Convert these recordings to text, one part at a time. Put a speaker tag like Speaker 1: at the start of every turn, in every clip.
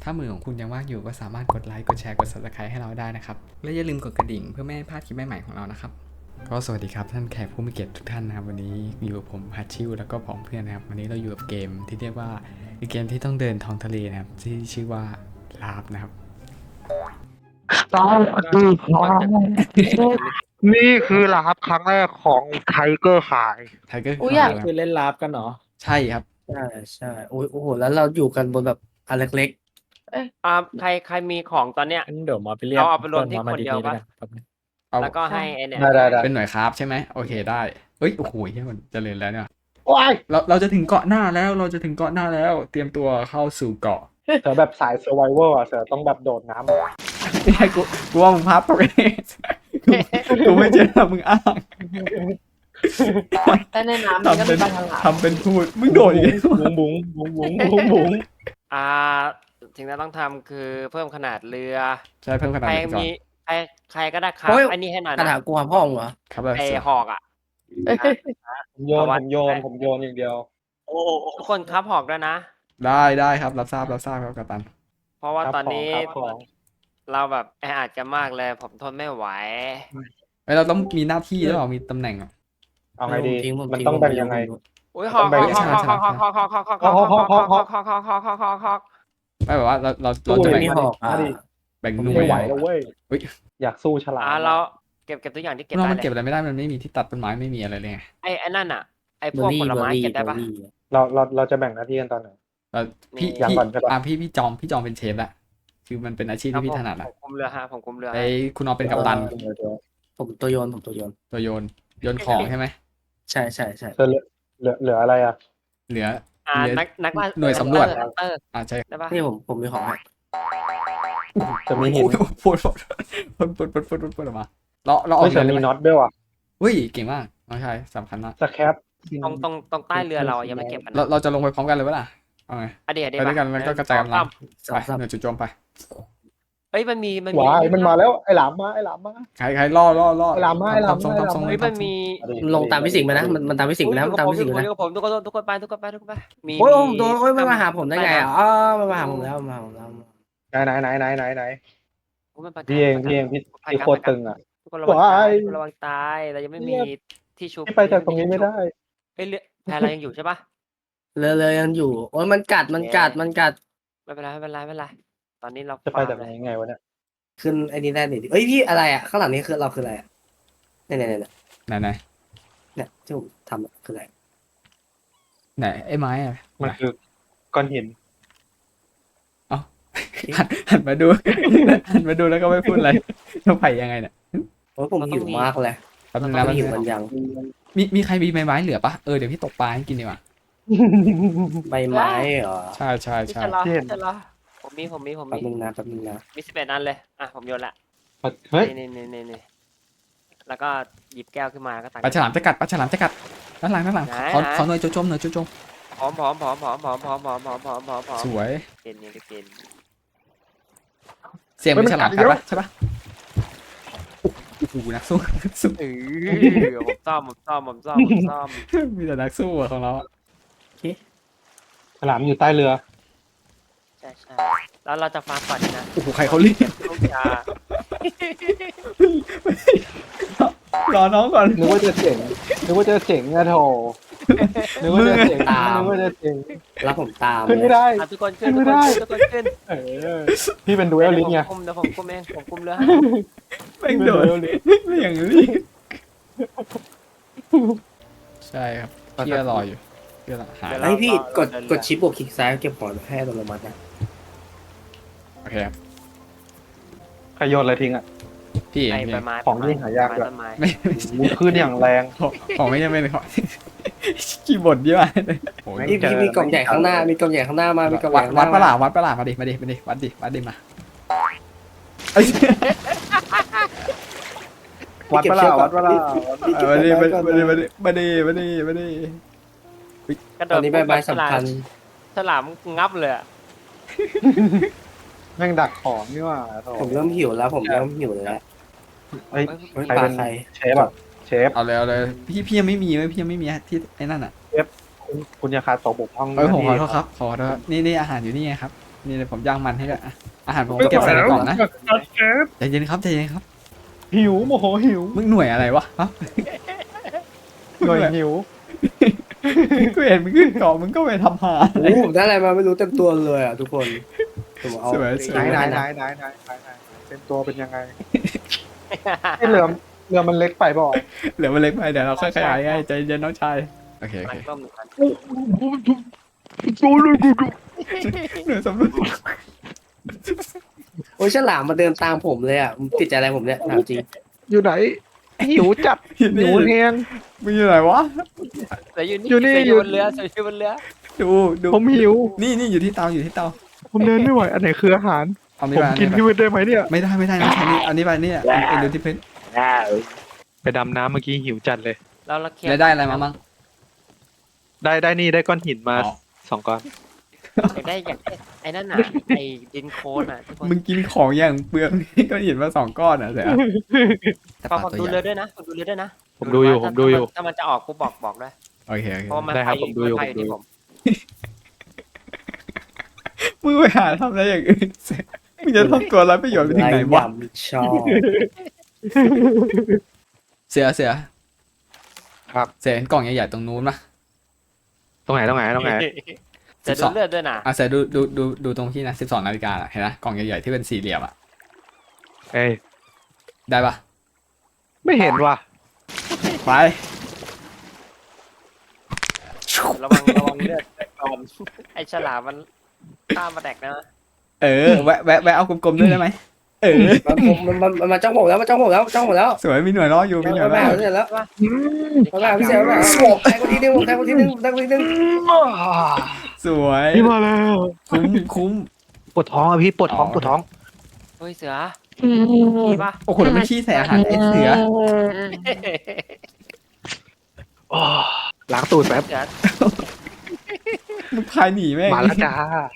Speaker 1: ถ้ามือของคุณยังว่างอยู่ก็สามารถกดไลค์กดแชร์กด Subscribe ให้เราได้นะครับและอย่าลืมกดกระดิ่งเพื่อไม่ให้พลาดคลิปใหม่ๆของเรานะครับก็สวัสดีครับท่านแขกผู้มีเกียรติทุกท่านนะครับวันนี้อยู่กับผมฮัตชิวแล้วก็ผองเพื่อนนะครับวันนี้เราอยู่กับเกมที่เรียกว่าเป็นเกมที่ต้องเดินท้องทะเลนะครับที่ชื่อว่าลาฟนะครับ
Speaker 2: สวัสดีครับนี่คือลาบครั้งแรกของไทเกอร์ขาย
Speaker 1: ไทเกอร์
Speaker 3: อุ๊ยอยาก
Speaker 1: ค
Speaker 4: คือเล่นลาฟกันเหรอ
Speaker 1: ใช่ครับ
Speaker 3: ใช่ใช่โอ้โหแล้วเราอยู่กันบนแบบอันเล็ก
Speaker 4: เอ๊ะ
Speaker 5: ใครมีของตอนเนี้ย
Speaker 4: งั้นเดี๋ยวมาไปเรียก
Speaker 5: เอาไปรวมที่
Speaker 4: พื่อ
Speaker 5: คนเดียว
Speaker 4: มา
Speaker 5: ปะ
Speaker 4: แป๊บนึง
Speaker 1: เอา
Speaker 5: แล้วก็ให้ไอเนี่ย
Speaker 2: ได้
Speaker 1: เป็นหน่วยคราฟใช่ไหมโอเคได้เอ้ยโอ้โหเฮ้ยมันเจริญแล้วเนี่ย
Speaker 2: ว้าย
Speaker 1: เราจะถึงเกาะหน้าแล้วเราจะถึงเกาะหน้าแล้ว เตรียมตัวเข้าสู่เกาะ
Speaker 2: เสือแบบสายเซอร์ไวเวอร์อ่ะเสือต้องแบบโดดน้ำ
Speaker 1: นี่ไงกูว่ามึงพับตกเองกูไม่เจอมึงอ้าง
Speaker 3: ๆแต่ในน้ำมันก็มีปลาฉลาม
Speaker 1: ทำเป็นพูดมึงโดดอีกแล้ว
Speaker 2: บุ้งบุ้งบุ้งบุ้งบุ้งบุ้ง
Speaker 5: อ่าสิ่งที่ต้องทำคือเพิ่มขนาดเรือ
Speaker 1: ใช่เพิ่มขนาด
Speaker 5: ใคร
Speaker 1: เรือก่อน
Speaker 5: มีใครก็ได้ครับ
Speaker 3: โอ้ย
Speaker 5: อันนี้ให้หน่อย
Speaker 3: กระถา
Speaker 5: นะ
Speaker 3: งกูหาพ่องเหรอ
Speaker 1: ครับแล้ว
Speaker 5: ไอ
Speaker 1: เสือ
Speaker 5: หอกอ่ะ
Speaker 2: ผมโยนอย่างเดียว
Speaker 5: ทุกคนครับหอกด้วยนะ
Speaker 1: ได้ครับรับทราบครับกัปตัน
Speaker 5: เพราะว่า
Speaker 2: ครับ
Speaker 5: ตอนนี้
Speaker 2: ของ
Speaker 5: เราแบบแออัดกันมากเลย ผมทนไม่ไหว
Speaker 1: เอ้ยเราต้องมีหน้าที่หรือเปล่ามีตำแหน่งอ่ะ
Speaker 2: เอาไงดี
Speaker 3: ผม
Speaker 2: มัน
Speaker 3: ทิ้
Speaker 2: ต้องแบ่งยังไง
Speaker 5: อุ้ยหอก
Speaker 2: ต้อง
Speaker 5: ห
Speaker 2: แบ่
Speaker 5: อง กหอกหอกหอกหอกหอกหอกหอกหอกหอกหอกหอกหอกหอกหอกหอกหอกหอกหอก
Speaker 1: ไม่แบบว่าเรา
Speaker 2: สู้
Speaker 1: จะ
Speaker 2: เลย
Speaker 1: แบ่ง
Speaker 3: มีหอกอ่ะ
Speaker 2: มาดิ
Speaker 1: แบ่งห
Speaker 3: ผม
Speaker 1: น่ว
Speaker 2: ไม่
Speaker 1: ย
Speaker 2: ไหวแล้วเว้ย
Speaker 1: เฮ้ย
Speaker 2: อยากสู้ฉลาม
Speaker 5: เราเก็บทุกอย่างที่เก็บ
Speaker 1: เรา
Speaker 5: ได้
Speaker 1: มัน
Speaker 5: เล
Speaker 1: เก็บ
Speaker 5: ย
Speaker 1: อะไรไม่ได้มันไม่มีที่ตัดต้นไม้ไม่มีอะไรเลยไง
Speaker 5: ไอ้นั่นอ่ะไอ้พ
Speaker 3: เบอ
Speaker 5: วก
Speaker 3: ร์รี่
Speaker 5: ผล
Speaker 3: เบอ
Speaker 5: ไม้
Speaker 3: ร์รี่
Speaker 5: เก็บได้ปะ
Speaker 2: เราจะแบ่งหน้าที่กันตอนไหน
Speaker 1: เราพี่
Speaker 2: อย่างก่อนใช่ปะ
Speaker 1: พี่จอมเป็นเชฟละคือมันเป็นอาชีพที่พี่ถนัด
Speaker 5: ผ
Speaker 1: อะ
Speaker 5: มคุมเรือฮะผมคุมเรือ
Speaker 1: ไอ้คุณเอาเป็นกัปตัน
Speaker 2: เดี๋ยว
Speaker 3: ผมตัวโยน
Speaker 1: ตัวโยนของใช่ไหม
Speaker 3: ใช่
Speaker 2: เสือเหลืออะไรอ่ะ
Speaker 1: เหลือ
Speaker 5: นักล่า
Speaker 1: หน่วยสำรวจ
Speaker 5: ฮันเตอร์
Speaker 1: ใช่
Speaker 5: ได้ปะ
Speaker 3: นี่ผมมีของให้
Speaker 2: จะมีหิน
Speaker 1: พูดออกมาเราออ
Speaker 2: ไม่
Speaker 1: ก
Speaker 2: เสือ
Speaker 1: เรือ
Speaker 2: มี
Speaker 1: เลยไหม
Speaker 2: น็อตด้วยว่ะ
Speaker 1: เฮ้ยเก่งมากน้องชายสำคัญมาก
Speaker 2: สแคป
Speaker 5: ตรงใต้เรือเรายังไม่เก็บกัน
Speaker 1: เราจะลงไปพร้อมกันเลยปะล่ะเอาไง
Speaker 5: เดี๋ยว
Speaker 1: ไปด้วยกันแล้วก็กระจายกำลัง
Speaker 3: สอง
Speaker 1: ไป
Speaker 3: สาม
Speaker 1: หน่วยจุดโจมไป
Speaker 5: เอ้ยมันมี
Speaker 2: ว้ายมันมาแล้วไอ้หลามมา
Speaker 1: ใครล่อ
Speaker 2: ไอ้ลำมาไอ้ลำมา
Speaker 1: ทำทรง
Speaker 5: เฮ้ยมันมี
Speaker 3: ลงตามพี่สิงห์ไปนะมันตามพี่สิงห์ไปนะมันตามพี่สิงห์ไปนะ
Speaker 5: ผมทุกคนไปมี
Speaker 3: โอ้ยผมโดนโอ้ยมันมาหาผมได้ไงอ่ะอ๋อมันมาหาผมแล้วมาหาผมแล้ว
Speaker 2: ไหนพี่เองพี่โคตรตึงอ่ะ
Speaker 5: ทุกคนระวังตายเรายังไม่มีที่ชุบ
Speaker 2: พี่ไปจากตรงนี้ไม่ได้
Speaker 5: เฮ้ยเรือแพเรายังอยู่ใช่ปะ
Speaker 3: เลยยังอยู่โอ้ยมันกัด
Speaker 5: ไม่เป็นไรตอนนี้เรา
Speaker 2: จะไปจากไหนยังไงวะเนี่ย
Speaker 3: ขึ้นไอ้นี่ได้ดิเอ้ยพี่อะไรอ่ะข้างหลังนี้คือเราคืออะไรอ่ะเนี่ย
Speaker 1: ไหน
Speaker 3: เนี่ยที่ผมทำอะคืออะไร
Speaker 1: ไหนไอ้ไม้อะ
Speaker 2: มันคือก้อนหิน
Speaker 1: หันมาดูแล้วก็ไม่พูดอะไรจะไปยังไงเนี่ย
Speaker 3: โอ้ยผมหิวมากเลย
Speaker 1: แป๊บนึง
Speaker 3: แล้
Speaker 1: นะ
Speaker 3: วหิวมันยัง
Speaker 1: มีใครมีไม้เหลือปะเดี๋ยวพี่ตกปลาให้กินดีกว่า
Speaker 3: ใบไม้เหรอ
Speaker 1: ใช่
Speaker 5: ไม่ใช่เหรอผมมี
Speaker 3: แป๊บนึงนะ
Speaker 5: มี11อันเลยอ่ะผมโยนละ
Speaker 2: เฮ้ย
Speaker 5: นี่แล้วก็หยิบแก้วขึ้นมาแล้วก็ตัก
Speaker 1: ปลาฉลามจะกัดด้านหลังขอหน่วยโจม
Speaker 5: พร้อม
Speaker 1: สวย
Speaker 5: เกณฑ์
Speaker 1: เสียงเป็นฉลามกัดปะใช่ปะโอ้โหนักสู้
Speaker 5: ผมซ่อม
Speaker 1: มีแต่นักสู้อะของเราอะ
Speaker 2: ฉลามอยู่ใต้เรือ
Speaker 5: ใช่แล้วเราจะฟาดก่อนนะ
Speaker 1: โอ้โหใครเขาเรียก
Speaker 5: ลูกยาร
Speaker 1: อน้องก่อน
Speaker 2: นึกว่าจะเจ๋งอะโถนึกว่าจะเจ๋ง
Speaker 3: แล้วผมตาม
Speaker 2: ขึ้นไม่ได้
Speaker 5: ทุกคนขึ้น
Speaker 2: พี่เป็นดูเอลลิงไง
Speaker 5: เดี๋ยวผมคุมเองผมคุมเรือให้
Speaker 1: แม่งโดดไม่อย่างรีบใช่ครับพี่รออยู่พี่หา
Speaker 3: ไอ้พี่กดชิปบวกคลิกซ้ายเก็บของให้อัตโนมัตินะ
Speaker 1: โอเคครับ
Speaker 2: ใครโยนอะไรทิ้งอ่ะ
Speaker 1: พี่
Speaker 5: ไอ้
Speaker 1: พี่
Speaker 5: ใบไม้
Speaker 2: ของที่หายากด้วย
Speaker 5: ต้นไม้
Speaker 1: ไม่
Speaker 2: มูขึ้นอย่างแรง
Speaker 1: ของไม่ใช่เป็นของขี้บ่นเยอะเลยโอ้ย
Speaker 3: พี่มีกล่องใหญ่ข้างหน้ามีกล่องใหญ่ข้างหน้ามามีกล่องใหญ่ข้างห
Speaker 1: วัด
Speaker 3: น้า
Speaker 1: ประหลาดวัดมาดิวัดดิมาเอ้ย
Speaker 2: วัดปะล่า
Speaker 1: มาดิ
Speaker 5: กระโด
Speaker 3: ตอ
Speaker 5: ด
Speaker 3: นนี้ใบไม้สำคัญ
Speaker 5: ฉลามงับเลย
Speaker 2: แม่งดักของนี่ว่าโถ
Speaker 3: ผมเริ่มหิวแล้วผมเริ่มหิวแล้ว
Speaker 2: เฮ้ย
Speaker 3: เฮ้ย
Speaker 2: ใคร
Speaker 3: ปลา
Speaker 2: เป็น
Speaker 3: ใคร
Speaker 2: เชฟอ่ะเชฟ
Speaker 1: เอาเลยพี่ยังไม่มีที่ไอ้นั่นอ่ะ
Speaker 2: คุณอย่าขาดตกบกพร่อง
Speaker 1: ผมขอโทษครับนี่อาหารอยู่นี่ไงครับนี่เลยผมย่างมันให้ด้วยอ่ะอาหารผมเก็บใส่ในกล่องนะใจเย็นครับใจเย็นครับ
Speaker 2: หิวโมโหหิว
Speaker 1: มึงหน่วยอะไรวะฮะ
Speaker 2: หน่วยหิว
Speaker 1: กูเห็นมึงขึ้นเกาะมึงก็ไปทำหา
Speaker 3: โอ้โหผมได้อะไรมาไม่รู้เต็มตัวเลยอ่ะทุกคนผมเอา
Speaker 1: สวยส
Speaker 2: ไหน
Speaker 1: วย
Speaker 2: ไหนเป็นตัวเป็นยังไงที่เรือมันเล็กไปบ่
Speaker 1: เหลือมันเล็กไปเดี๋ยวเราค่อยขยายให้ใจเย็นน้องชายโอเคโอ
Speaker 5: มัน
Speaker 1: เค
Speaker 5: ต้มหนึ่งอัน
Speaker 1: เหนือสำรวจ
Speaker 3: โอ้ยฉลามมาเดินตามผมเลยอ่ะมันติดใจอะไรผมเนี่ยถามจริง
Speaker 2: อยู่ไหนหิวจัดหิวแหง
Speaker 1: มึงอยู่ไหนวะ
Speaker 5: เสืออยู่นี่
Speaker 2: อยู่นี่
Speaker 5: เสืออยู่บนเรือเสืออยู่บนเรือ
Speaker 1: ดูดู
Speaker 2: ผมหิว
Speaker 1: นี่อยู่ที่เตาอยู่ที่เตา
Speaker 2: ผมเดินไม่ไหวอันไหนคืออาหาร
Speaker 1: เอานี่
Speaker 2: ผม
Speaker 1: ไป
Speaker 2: กินที่มืดได้ไหมเนี่ย
Speaker 1: ไม่ได้น้องชายนี่อันนี้ไปนี่ไอ้ดูที่พื้น
Speaker 2: ไปดำน้ำเมื่อกี้หิวจัดเลย
Speaker 5: เราละเคีย
Speaker 1: แล้วได้อะไรมามั่ง
Speaker 2: ได้นี่ได้ก้อนหินมา
Speaker 1: อ๋อ
Speaker 2: 2 ก้อน
Speaker 5: อยากได้ไอ้นั่นน่ะไอ้ดินโคลนอ่ะทุกคน
Speaker 1: มึงกินของอย่างเปลืองก็เห็นมา2 ก้อนอ่ะเสียแต่ป
Speaker 5: ฟั
Speaker 1: ลาง
Speaker 5: ดู
Speaker 1: ตัวให
Speaker 5: เรือ
Speaker 1: ญ่
Speaker 5: ด้วยนะฟังดูเรือด้วยนะ
Speaker 2: ผมดูอยู่ผมดูอยู่
Speaker 5: ถ้ามันจะออกกูบอกด้วย
Speaker 1: โอเคโอเค
Speaker 5: เพราะว่ามัน
Speaker 2: ได้ครับ
Speaker 5: ไป
Speaker 2: ผมดูอยู่
Speaker 5: ไป
Speaker 2: ผมดูอยู่
Speaker 5: ที่ผม
Speaker 1: มึงไปหาทำอะไรอย่างอื่นเสียมึงจะทำตัวไรประโยชน์ไปถึงไหนวะ
Speaker 3: ยำชอบ
Speaker 1: เสือ
Speaker 2: ครับ
Speaker 1: เสือเห็นกล่องใหญ่ๆตรงนู้นปะ
Speaker 2: ตรงไหน
Speaker 5: จะดูเลือดด้วยนะ
Speaker 1: อ่ะเสือดูตรงที่นะ12 นาฬิกาเห็นนะกล่องใหญ่ๆที่เป็นสี่เหลี่ยมอ่ะ
Speaker 2: เอ้ย
Speaker 1: ได้ปะ
Speaker 2: ไม่เห็นว่ะ
Speaker 1: ไป
Speaker 5: ระวังเลือดก่อนไอ้ฉลามมันข้ามมาแดกนะ
Speaker 1: แวะเอากลมๆด้วยได้ไหม
Speaker 3: มันมาจ้องผมแล้วมาจ้องผมแล้วจ้องผมแล้ว
Speaker 1: สวยมีหน่วยล้ออยู่มีหน่วย
Speaker 3: มา
Speaker 1: ล้อ
Speaker 3: หา
Speaker 1: อยู่
Speaker 3: เสร็จแล้วมาหาพี่เสร็จแล้วแทงคนทีนึงแทงคนทีนึงแทงคนทีนึง
Speaker 1: สวย
Speaker 2: พี่มาแล้ว
Speaker 1: คุ้ม
Speaker 2: ปวดท้องอ่ะพี่ปวดท้องปวดท้อง
Speaker 5: เฮ้ยเสือมีปะ
Speaker 1: โอ้โหแล้วไม่ขี้ใส่อาหารไอ้เสือ
Speaker 2: อ๋อล้างตูดแป๊บ
Speaker 5: เสือ
Speaker 1: มึงพายหนีแม่ง
Speaker 2: มาแล้วจ้า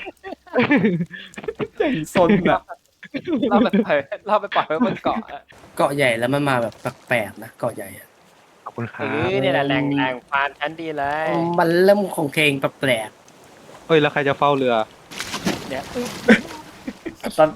Speaker 1: อย่างซนอ่ะ
Speaker 5: เราไปปล่อยไว้บนเกาะอะ
Speaker 3: เกาะใหญ่แล้วมันมาแบบแปลกๆนะเกาะใหญ่อะ
Speaker 2: ขอบคุณครั
Speaker 5: เอบ อเนี่ยแหละแรงพานชั้นดีเลย
Speaker 3: มันเริ่มของเพลงแปลก
Speaker 2: เฮ้ยแล้วใครจะเฝ้าเรือ
Speaker 5: เนี่ย
Speaker 1: กัปตัน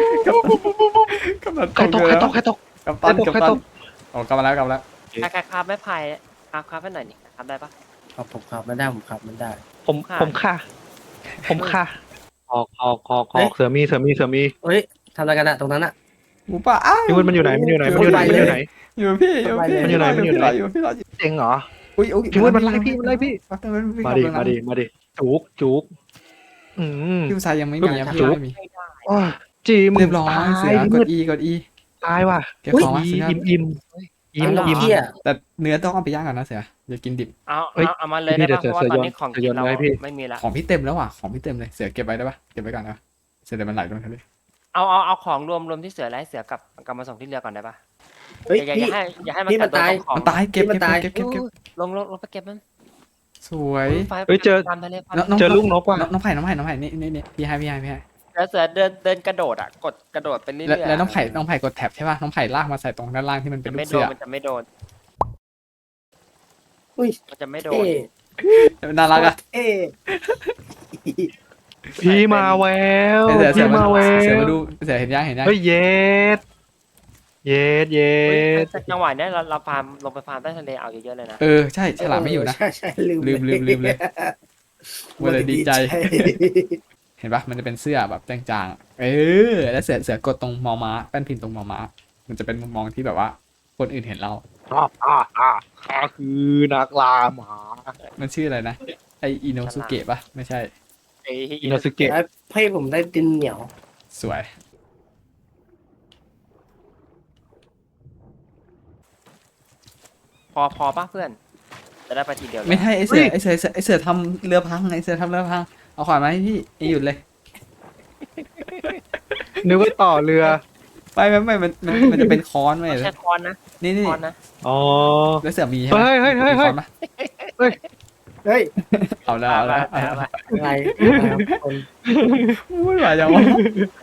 Speaker 1: กัปตัน
Speaker 2: ใครตก
Speaker 1: กัปตัน
Speaker 2: ใครตก
Speaker 1: อ๋อกลับมาแล้ว
Speaker 5: ใครคาบไม่พายคาบไปหน่อยนี่คาบได้ปะ
Speaker 3: ๆครับผมครับมันได้ผมครับมันได้
Speaker 2: ผมค่ะออกเสือมี
Speaker 3: เฮ้ยทำอะไรกันอะตรงนั้นอะ
Speaker 1: หมูป่าอ้าว
Speaker 2: พี่มันอยู่ไหนอยู่พี่
Speaker 1: อยู่พี่
Speaker 2: มันอยู่ไหน
Speaker 1: อยู่พี่รออยู่
Speaker 2: เจ๋งเหรอ
Speaker 1: อุ้ย
Speaker 2: พี่มันไล่พี่มาดิจุก
Speaker 1: พี่ชายยังไม่มีพี่ไม่มี
Speaker 2: จีม
Speaker 1: เรียบร้อยเสือกด E
Speaker 2: ตายว่ะ
Speaker 1: เก็บของมาเสือ
Speaker 2: อิ่ม
Speaker 1: แต่เนื้อต้องเอาไปย่างก่อนนะเสืออย่ากินดิบ
Speaker 5: เอามาเลยได้ปะเพราะว่าตอนนี้ของกินเราไม่มีละ
Speaker 1: ของพี่เต็มแล้วอ่ะของพี่เต็มเลยเสือเก็บไว้ได้ปะเก็บไว้ก่อนนะเสือเดี๋ยวมันไหลลงทะเล
Speaker 5: เอาของรวมที่เสือไล่เสือกลับมาส่งที่เรือก่อนได้ปะ
Speaker 3: เฮ้ย
Speaker 5: อย่า
Speaker 3: พี่
Speaker 5: ให้มัน
Speaker 3: พี่มันตาย
Speaker 5: ของ
Speaker 1: มันตายเก็บ
Speaker 5: ลงไปเก็บมัน
Speaker 1: สวย
Speaker 5: ตามทะเล
Speaker 2: เจอลูกนกว่ะ
Speaker 1: น้องไผ่นี่พี่ให้
Speaker 5: แล้วเสือเดินกระโดดอ่ะกระโดดไปเรื่อยๆ
Speaker 1: แล้วน้องไผ่กดแท็บใช่ป่ะน้องไผ่ลากมาใส่ตรงด้านล่างที่มันเป็นลู
Speaker 5: ไม่
Speaker 1: ก
Speaker 5: โด
Speaker 1: เสื
Speaker 5: น
Speaker 1: อ
Speaker 5: มันจะไม่โดน
Speaker 3: อุ้ย
Speaker 5: มันจะไม่โดน
Speaker 3: เอ๊
Speaker 1: น่ารักอ่ะ
Speaker 3: เอ๊
Speaker 2: พี่มาแวว
Speaker 1: เสื
Speaker 2: พี่
Speaker 1: อ
Speaker 2: มาแว
Speaker 1: มาดูเสือเห็นยัง
Speaker 2: เฮ้ยเย็ด
Speaker 5: จังหวะนี้เราฟาร์มลงไปฟาร์มใต้ทะเลเอาเยอะๆเลยนะ
Speaker 1: ใช่ฉลามไม่อยู่นะ
Speaker 3: ใช่ลืม
Speaker 1: ลืมเลยเวลาดีใจเห็นปะมันจะเป็นเสื้อแบบจางๆแล้วเสือกดตรงมอม้าแป้นพิมพ์ตรงมอม้ามันจะเป็นมุมมองที่แบบว่าคนอื่นเห็นเรา
Speaker 2: ข้าคือนักล่าหมา
Speaker 1: มันชื่ออะไรนะไออิโนสุเกะปะไม่ใช่
Speaker 2: อินโนสึเกะ
Speaker 3: แล้วให้ผมได้ดินเหนียว
Speaker 1: สวย
Speaker 5: พอป่ะเพื่อนจะได้ไปทีเดียว
Speaker 1: ไม่ใช่ไอเสือทำเรือพังเอาขวานมาให้พี่หยุดเลย
Speaker 2: นึกว่าต่อเรือ
Speaker 1: ไม่มันจะเป็นค้อนไหม
Speaker 5: ใช้คอนนะ
Speaker 1: นี่
Speaker 5: คอนนะ
Speaker 2: อ๋อ
Speaker 1: แล้วเสือมีใช่ไหม
Speaker 2: เฮ้ย
Speaker 1: มีค้อนปะ
Speaker 3: เฮ้ย
Speaker 1: เอาแล้ว
Speaker 3: อะไรคน
Speaker 1: ไม่ไหวจังวะ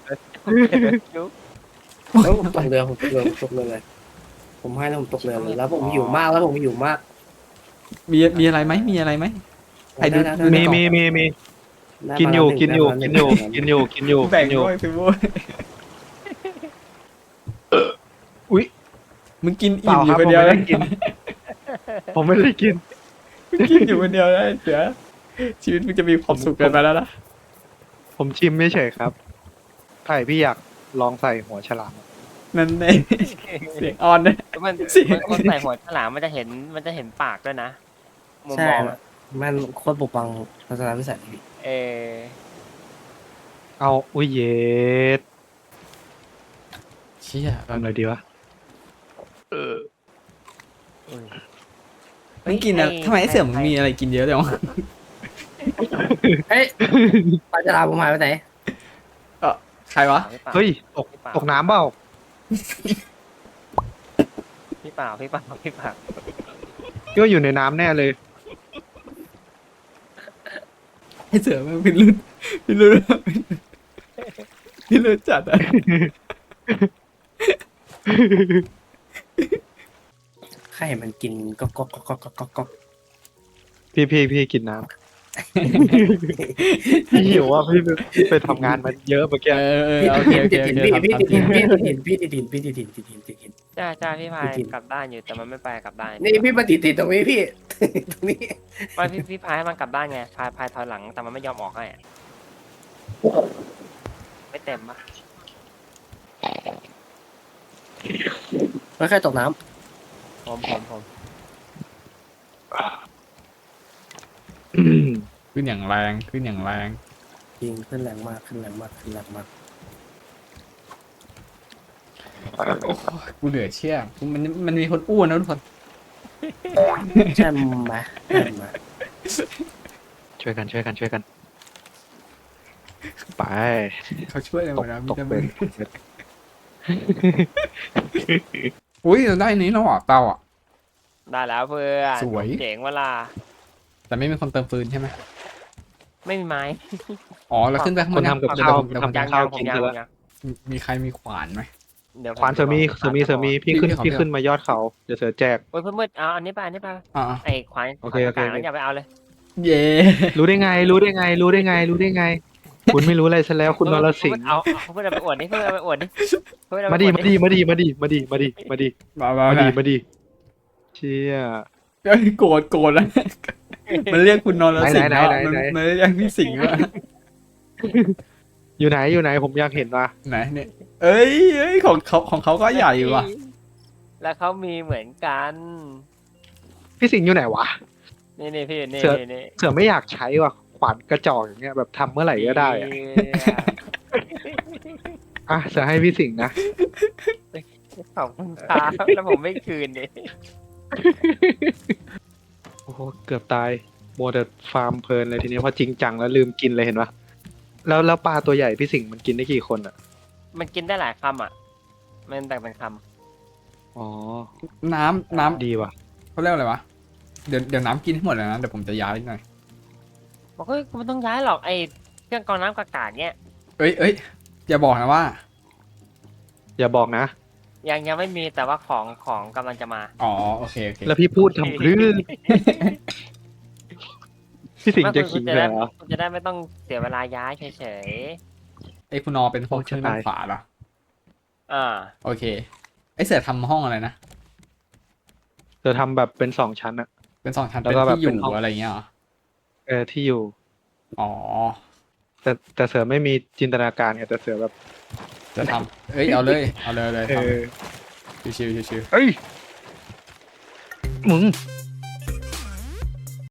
Speaker 3: แล้วผมตกเรือเลยผมให้แล้วผมตกเรือเลยแล้วผมหิวมาก
Speaker 1: มีอะไรไหมไอ้ดู
Speaker 2: มีกินอยู่กินอยู่กินอยู่กินอยู่กินอยู่
Speaker 1: แบ่ง
Speaker 2: กินอยู่
Speaker 1: ด้วยสิโว้ย
Speaker 2: อุ๊ย
Speaker 1: มึงกิน
Speaker 2: เป
Speaker 1: อิ่
Speaker 2: ล่าม
Speaker 1: อ
Speaker 2: ครั
Speaker 1: ยู่
Speaker 2: บ
Speaker 1: คน
Speaker 2: ผม
Speaker 1: เดียว
Speaker 2: ไม่ได้กิน ผมไม่ได้กิน
Speaker 1: มึงกินอยู่คนเดียวได้เสือชีวิตมึงจะมีความสุขเกินไปแล้วนะ
Speaker 2: ผมชิมไม่เฉยครับไข่พี่อยากลองใส่หัวฉลาม
Speaker 1: นั่นเองเสียงอ่อนนะ
Speaker 5: มัน
Speaker 1: เสีย
Speaker 5: มันคนใส่หัวฉลามมันจะเห็นปากด้วยนะมุม
Speaker 3: ใช่
Speaker 5: มองอะ
Speaker 3: มันโคตรปกปังทัศนวิสัยพี่
Speaker 5: เออ
Speaker 2: เอาอุ้ยเย็ด
Speaker 1: เชี่ย
Speaker 2: ทำอะไรดีวะ
Speaker 1: มึงกินอะทำไมไอ้เสือมึงมีอะไรกินเยอะจังวะ
Speaker 3: เฮ้ยปลาฉลามผมหายไปไหน
Speaker 1: ใครวะ
Speaker 2: เฮ้ยตกน้ำเปล่า
Speaker 5: พี่เปล่า
Speaker 2: พี่ว่าอยู่ในน้ำแน่เลย
Speaker 1: ไอ้เสือมันพิรุษพิรุษพิรุษจัดอะ
Speaker 3: ใครมันกินก็
Speaker 2: พี่กินน้ำ พี่หิวอ่ะพี่ไปทำงานมาเยอะเมื่อกี้
Speaker 1: โอเคโอเค
Speaker 3: ติด
Speaker 1: โอ
Speaker 3: หิน
Speaker 1: เค
Speaker 3: พี่ติดหินพี่ติดหินติดหิน
Speaker 5: จ้าพี่พาย
Speaker 3: จริง
Speaker 5: กลับด้านอยู่แต่มันไม่ไปกลับด้าน
Speaker 3: นี่พี่มาติดตรงนี้พี่ ตรงนี้
Speaker 5: ไม่พี่พายให้มันกลับด้านไงพายถอยหลังแต่มันไม่ยอมออกให้อะไม่เต็มปะ
Speaker 3: ไม่ค่อยตกน้
Speaker 5: ผม
Speaker 1: ขึ้นอย่างแรงขึ้นอย่างแรง
Speaker 3: ำยิงขึ้นแรงมากขึ้นแรงมากขึ้นแรงมาก
Speaker 1: กูเหลือเชื่อมันมีคนอ้วนนะทุกคน
Speaker 3: ใช่ไหมใช่ไหม
Speaker 2: ช่วยกันไป
Speaker 1: เขาช่วยอะไรหมดนะมี
Speaker 2: ตก
Speaker 1: แต่
Speaker 2: เป็
Speaker 1: มึ
Speaker 2: น
Speaker 1: งอุ้ยเราได้อันนี้แล้วอ่ะเตาอ่ะ
Speaker 5: ได้แล้วเพื่อน
Speaker 1: สวย
Speaker 5: เจ๋งเวลา
Speaker 1: แต่ไม่มีคนเติมฟืนใช่ไหม
Speaker 5: ไม่มีไม้
Speaker 1: อ๋อเราขึ้นไปข้างบ
Speaker 2: คน
Speaker 1: น
Speaker 2: ทำกับข้าว
Speaker 1: เดี๋ยว
Speaker 2: ทำกับ
Speaker 5: ยัง
Speaker 2: ข้าว
Speaker 5: ผม
Speaker 2: กิน
Speaker 5: ยัง
Speaker 2: เถ
Speaker 5: ผ
Speaker 2: อะ
Speaker 5: มยัง
Speaker 1: มีใครมีขวานไหม
Speaker 5: เดี๋ยวผม
Speaker 2: ควานเสือมีพี่ขึ้นมายอดเขาเดี๋ยวเสือแจก
Speaker 5: โอ้ยเพื่อนมืดเอาอันนี้ไป
Speaker 1: อ่า
Speaker 5: ไอ้ขวาน
Speaker 2: โอเค
Speaker 5: ขวานกลางๆนั้นอย่าไปเอาเลย
Speaker 1: เย่
Speaker 2: รู้ได้ไง คุณไม่รู้อะไรซะแล้วคุณนรสิงห์
Speaker 5: เอาเพื่อนเอาไปอวดดิเพื่อนเอาไปอวดดิเพื่อนเอาไป
Speaker 2: มา
Speaker 5: อว
Speaker 2: ดี
Speaker 5: ด
Speaker 2: มาดี
Speaker 1: มา
Speaker 2: ดีเชี่ย
Speaker 1: โกรธแล้วมันเรียกคุณนอนแล้วสิงห์
Speaker 2: ไหน
Speaker 1: แล้วมันเรียกพี่สิงห์ว่า
Speaker 2: อยู่ไหนผมอยากเห็นว่ะ
Speaker 1: ไหนเนี่ยเอ้ยของเขาก็ใหญ่อยู่ว่ะ
Speaker 5: แล้วเขามีเหมือนกัน
Speaker 2: พี่สิงห์อยู่ไหนวะ
Speaker 5: นี่พี่นี่
Speaker 2: เสือ
Speaker 5: นี่
Speaker 2: เสือไม่อยากใช้ว่ะขวานกระจอกอย่างเงี้ยแบบทำเมื่อไหร่ก็ได้อะอ่ะเสือให้พี่สิงห์นะ
Speaker 5: ขอบคุณครับแล้วผมไม่คืนดิ
Speaker 2: โอ้โหเกือบตายโมเดลฟาร์มเพลินเลยทีนี้พอจริงจังแล้วลืมกินเลยเห็นปะแล้วปลาตัวใหญ่พี่สิงห์มันกินได้กี่คนอ่ะ
Speaker 5: มันกินได้หลายคำอ่ะมันแบ่งเป็นค
Speaker 2: อ๋อ
Speaker 1: น้ำ
Speaker 2: ดีว่ะ
Speaker 1: เขาเรียกอะไรวะเดี๋ยวน้ำกินให้หมดเลยนะเดี๋ยวผมจะย้ายหน่อย
Speaker 5: ำบอกเฮ้ยกูไม่ต้องย้ายหรอกไอ้เครื่องกรองน้ำกากาเนี่ย
Speaker 1: เอ้ยอย่าบอกนะว่า
Speaker 2: อย่าบอกนะ
Speaker 5: ยังไม่มีแต่ว่าของกำลังจะมา
Speaker 1: อ๋อโอเค
Speaker 2: แล้วพี่พูดทำพรื้พี่สิงห์จะขิงเลยเหรอ
Speaker 5: คุณจะได้ไม่ต้องเสียเวลาย้ายเฉย
Speaker 1: ไอ้คุณนอเป็นห้องเครื่องด้านขวาเหรอ
Speaker 5: ๆอ่า
Speaker 1: โอเคไอ้เสือทำห้องอะไรนะ
Speaker 2: จะทำแบบเป็น2 ชั้นอะ
Speaker 1: เป็น2 ชั้น
Speaker 2: แล้ว
Speaker 1: เป็น
Speaker 2: ก็แบบ
Speaker 1: ที่อ
Speaker 2: เป็นห้
Speaker 1: ยู่
Speaker 2: อง
Speaker 1: อะไรเงี้ยเหรอ
Speaker 2: ที่อยู่
Speaker 1: อ๋อ
Speaker 2: แต่เสือไม่มีจินตนาการไงแต่เสือแบบ
Speaker 1: จะทำเอาเลยทำชิว
Speaker 2: เอ้ยมึง
Speaker 1: ๆ